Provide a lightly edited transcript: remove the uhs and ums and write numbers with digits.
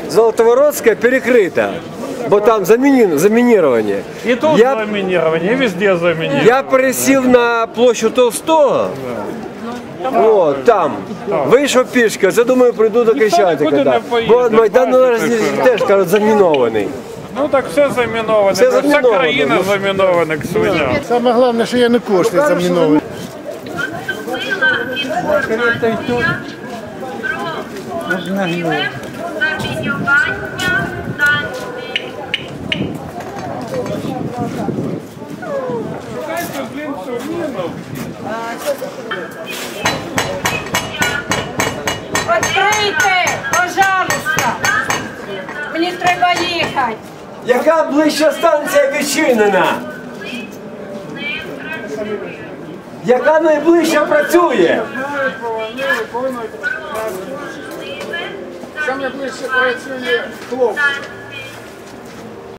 Золотовородская перекрыта, бо там заминирование. И тут заминирование, и везде заминирование. Я пересів на площу Толстого, от, там, вийшов пішки, це, думаю, прийду до Крещатика. Бо Майдан теж, кажуть, замінований. Ну так все заміноване, вся країна замінована, к свиням. Саме головне, що Янукович не замінований. Відкрийте, пожалуйста. Мені треба їхати. Яка ближча станція відчинена? Яка найближча працює? Саме ближче працює хлопці.